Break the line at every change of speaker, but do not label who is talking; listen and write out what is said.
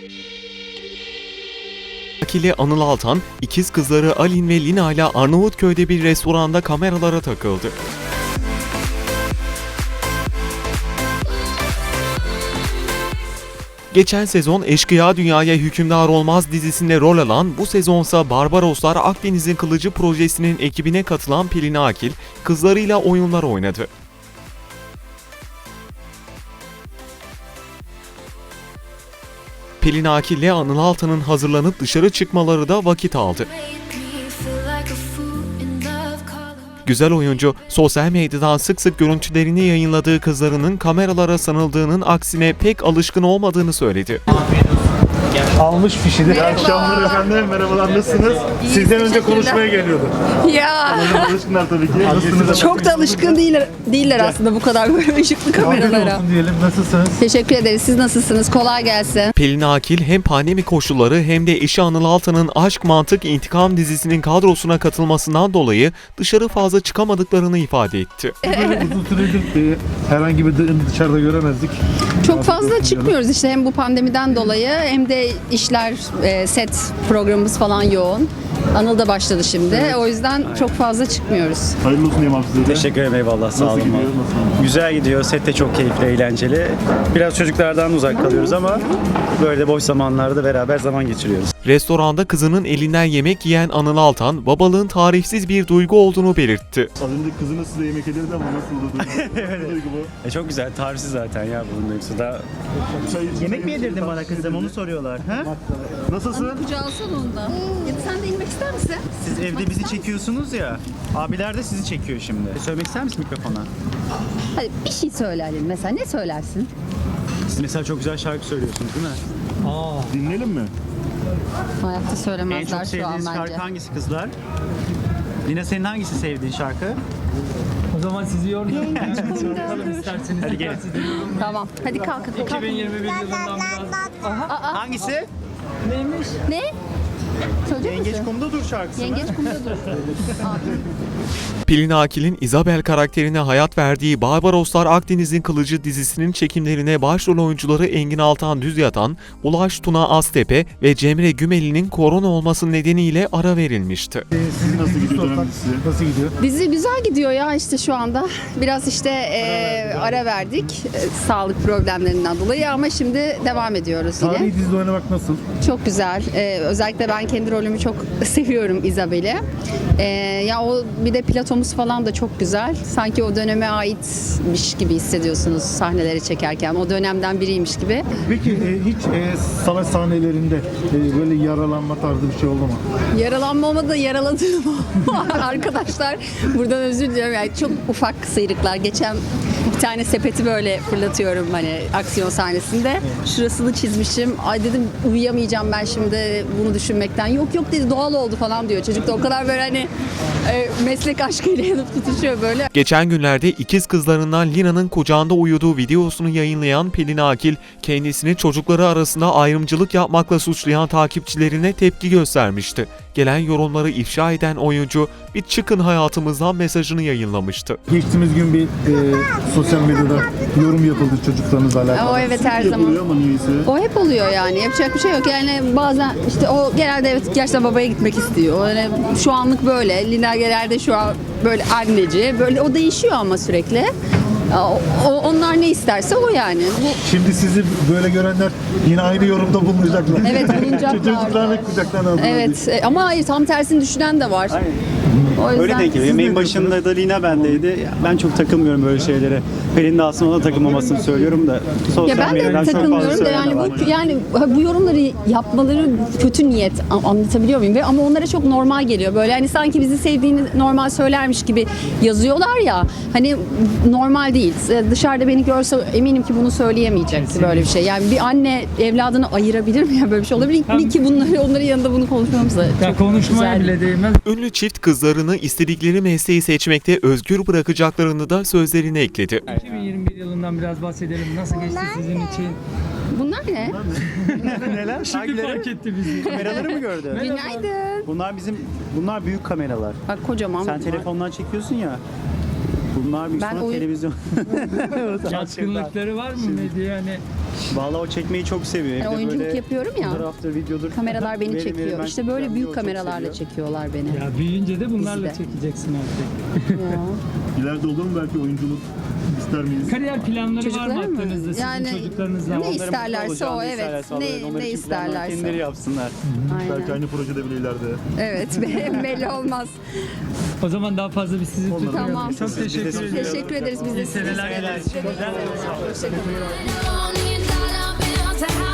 Akili Anıl Altan, ikiz kızları Alin ve Lina ile Arnavutköy'de bir restoranda kameralara takıldı. Geçen sezon Eşkıya Dünyaya Hükümdar Olmaz dizisinde rol alan, bu sezonsa Barbaroslar Akdeniz'in Kılıcı projesinin ekibine katılan Pelin Akil, kızlarıyla oyunlar oynadı. Pelin Akil ile Anıl Altan'ın hazırlanıp dışarı çıkmaları da vakit aldı. Güzel oyuncu, sosyal medyadan sık sık görüntülerini yayınladığı kızlarının kameralara sanıldığının aksine pek alışkın olmadığını söyledi.
Almış fişini. İyi akşamlar efendim. Merhabalar, nasılsınız? Sizden önce konuşmaya geliyorduk.
Ya
Alışkınlar tabii ki. Nasılsınız?
çok da alışkın değiller aslında bu kadar böyle ışıklı kameralara.
olsun diyelim. Nasılsınız?
Teşekkür ederiz. Siz nasılsınız? Kolay gelsin.
Pelin Akil hem pandemi koşulları hem de eşi Anıl Altan'ın Aşk Mantık İntikam dizisinin kadrosuna katılmasından dolayı dışarı fazla çıkamadıklarını ifade etti.
Böyle uzun süredir herhangi bir dışarıda göremezdik.
Çok fazla çıkmıyoruz işte hem bu pandemiden dolayı hem de işler, set programımız falan yoğun. Anıl da başladı şimdi. O yüzden çok fazla çıkmıyoruz.
Hayırlı olsun diyeyim abi size de.
Teşekkür ederim, eyvallah, sağ
Nasıl
olun.
gidiyor? Nasıl?
Güzel gidiyor, set de çok keyifli, eğlenceli. Biraz çocuklardan uzak kalıyoruz ama böyle boş zamanlarda beraber zaman geçiriyoruz.
Restoranda kızının elinden yemek yiyen Anıl Altan, babalığın tarifsiz bir duygu olduğunu belirtti.
Az önce kızınız size yemek yedirdi ama nasıl oldu? Nasıl duygu bu?
Çok güzel, tarifsiz zaten ya bunun duygusu da.
Yemek mi yedirdin bana kızım, onu soruyorlar. Ha?
Nasılsın?
Kucağı alsana ondan. Ya sen de inmek ister misin?
Siz evde bizi çekiyorsunuz ya. Abiler de sizi çekiyor şimdi. Söylemek ister misin mikrofona?
Hadi bir şey söyleyelim mesela. Ne söylersin?
Siz mesela çok güzel şarkı söylüyorsunuz değil mi?
Dinleyelim mi?
Hayatta
En
söylemezler
çok
şu an
sevdiğiniz
bence.
şarkı hangisi kızlar? Lina, senin hangisi sevdiğin şarkı?
O zaman sizi yormayalım. Bakalım isterseniz.
Hadi gelin.
Tamam. Hadi kalk.
2021 yılından biraz.
Hangisi?
Ne? Söyleyecek
Yengeç
misin?
kumda dur şarkısı mı?
Yengeç kumda dur.
Pelin Akil'in Isabel karakterine hayat verdiği Barbaroslar Akdeniz'in Kılıcı dizisinin çekimlerine başrol oyuncuları Engin Altan Düzyatan, Ulaş Tuna Aztepe ve Cemre Gümeli'nin korona olması nedeniyle ara verilmişti.
Sizin nasıl gidiyor dönem dizisi? Nasıl gidiyor?
Dizi güzel gidiyor ya işte şu anda. Biraz işte ara verdik sağlık problemlerinden dolayı ama şimdi devam ediyoruz yine.
Tarihi dizide oynamak nasıl?
Çok güzel. Özellikle ben kendi rolümü çok seviyorum Isabel'i. Ya o bir de platomuz falan da çok güzel. Sanki o döneme aitmiş gibi hissediyorsunuz sahneleri çekerken. O dönemden biriymiş gibi.
Peki hiç savaş sahnelerinde böyle yaralanma tarzı bir şey oldu mu?
Yaralanma olmadı da yaraladığım arkadaşlar. Buradan özür diliyorum. Yani çok ufak sıyrıklar. Geçen bir tane sepeti böyle fırlatıyorum hani aksiyon sahnesinde. Şurasını çizmişim. Ay dedim uyuyamayacağım ben şimdi bunu düşünmekten. Yok yok dedi doğal oldu falan diyor. Çocuk da o kadar böyle hani meslek aşkıyla yanıp tutuşuyor böyle.
Geçen günlerde ikiz kızlarından Lina'nın kucağında uyuduğu videosunu yayınlayan Pelin Akil, kendisini çocukları arasında ayrımcılık yapmakla suçlayan takipçilerine tepki göstermişti. Gelen yorumları ifşa eden oyuncu, bir çıkın hayatımızdan mesajını yayınlamıştı.
Geçtiğimiz gün bir sosyal medyada yorum yapıldı çocuklarınızla alakalı.
O evet her zaman.
Yapılıyor ama niyeyse.
O hep oluyor yani. Yapacak bir şey yok. Yani bazen işte o genelde evet gerçekten babaya gitmek istiyor. Yani şu anlık böyle. Lina genelde şu an böyle anneci. Böyle o değişiyor ama sürekli. Onlar ne isterse o yani.
Şimdi sizi böyle görenler yine aynı yorumda bulunacaklar.
Evet, bulunacaklar.
Çocuklarını kucaklarına aldılar.
Evet ama hayır tam tersini düşünen de var. O yüzden
Öyle denk geliyor. Yemeğin başında da Lina bendeydi. Ben çok takılmıyorum böyle şeylere. Pelin de aslında ona takılmamasını söylüyorum da.
Ya
Sosyal
ben de
medyadan çok fazla
takılmıyorum da
söyleyen
yani
de var.
yani bu yorumları yapmaları kötü niyet anlatabiliyor muyum? Ama onlara çok normal geliyor. Böyle hani sanki bizi sevdiğini normal söylermiş gibi yazıyorlar ya. Hani normal değil. Dışarıda beni görse eminim ki bunu söyleyemeyecekti böyle bir şey. Yani bir anne evladını ayırabilir mi ya böyle bir şey olabilir mi ki onların yanında bunu konuşmamız da
Ya
çok
konuşmaya
güzel.
bile değmez.
Ünlü çift kızlarını istedikleri mesleği seçmekte özgür bırakacaklarını da sözlerine ekledi.
2021 yılından biraz bahsedelim. Nasıl geçti sizin için?
Bunlar ne?
Neler?
Şimdi
Hangileri?
fark etti bizi.
Kameraları mı gördün?
Günaydın.
Bunlar büyük kameralar.
Bak kocaman.
Sen telefondan çekiyorsun ya. Bunlar büyük
Ben
sonra televizyon.
Yatkınlıkları var mı medya? Hani
Vallahi o çekmeyi çok seviyor.
Yani
Evde
oyunculuk
böyle
yapıyorum ya.
Fotoğraftır, videodur.
Kameralar beni
Verin,
çekiyor.
ben
İşte böyle
çekeceğim
büyük
diyor, çok
kameralarla
seviyor.
çekiyorlar beni.
Ya büyüyünce de bunlarla
Bizde.
çekeceksin artık.
Ya.
İleride olur mu belki oyunculuk ister miyiz?
Kariyer planları var mı
Çocuklar mı?
aklınızda? Sizin çocuklarınızla.
ne
Onların mutlu
isterlerse
olacağını,
o,
ne
evet.
isterlerse alırlar.
Ne
Onlar için planlar
isterlerse.
kendileri yapsınlar.
Belki
Aynen.
aynı projede bile ileride.
Evet, belli olmaz.
O zaman daha fazla biz sizi tutmayalım.
Tamam.
Çok teşekkür ederim.
Teşekkür ederiz biz de.
İyi seneler.
Hoşçakalın.
$1 million bill to have